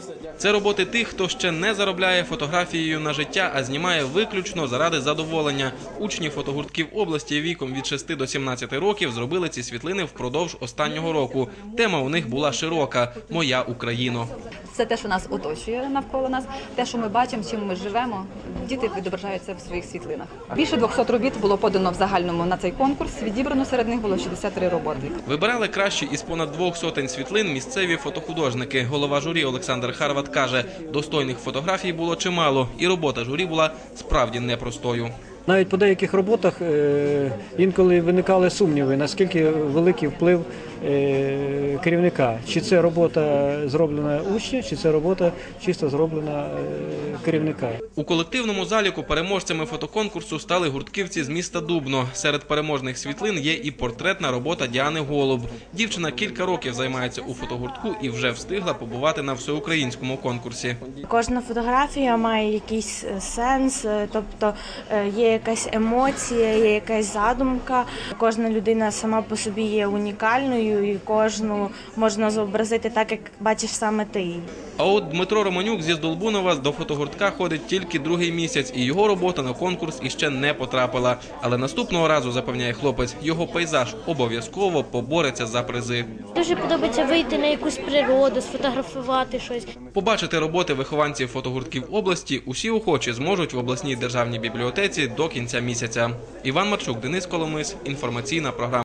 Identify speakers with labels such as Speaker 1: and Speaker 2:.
Speaker 1: Це роботи тих, хто ще не заробляє фотографією на життя, а знімає виключно заради задоволення. Учні фотогуртків області віком від 6 до 17 років зробили ці світлини впродовж останнього року. Тема у них була широка – «Моя Україно».
Speaker 2: Це те, що нас оточує навколо нас, те, що ми бачимо, чим ми живемо. Діти відображаються в своїх світлинах. Більше 200 робіт було подано в загальному на цей конкурс. Відібрано серед них було 63 роботи.
Speaker 1: Вибирали кращі із понад 200 світлин місцеві фотохудожники. Голова журі Олександр Харват каже, достойних фотографій було чимало, і робота журі була справді непростою.
Speaker 3: Навіть по деяких роботах інколи виникали сумніви, наскільки великий вплив керівника. Чи це робота зроблена учня, чи це робота чисто зроблена керівника.
Speaker 1: У колективному заліку переможцями фотоконкурсу стали гуртківці з міста Дубно. Серед переможних світлин є і портретна робота Діани Голуб. Дівчина кілька років займається у фотогуртку і вже встигла побувати на всеукраїнському конкурсі.
Speaker 4: Кожна фотографія має якийсь сенс, тобто є якась емоція, є якась задумка. Кожна людина сама по собі є унікальною і кожну можна зобразити так, як бачиш саме ти її.
Speaker 1: А от Дмитро Романюк зі Здолбунова до фотогуртка ходить тільки другий місяць, і його робота на конкурс іще не потрапила. Але наступного разу, запевняє хлопець, його пейзаж обов'язково побореться за призи.
Speaker 5: Дуже подобається вийти на якусь природу, сфотографувати щось.
Speaker 1: Побачити роботи вихованців фотогуртків області усі охочі зможуть в обласній державній бібліотеці до кінця місяця. Іван Марчук, Денис Коломис, інформаційна програма.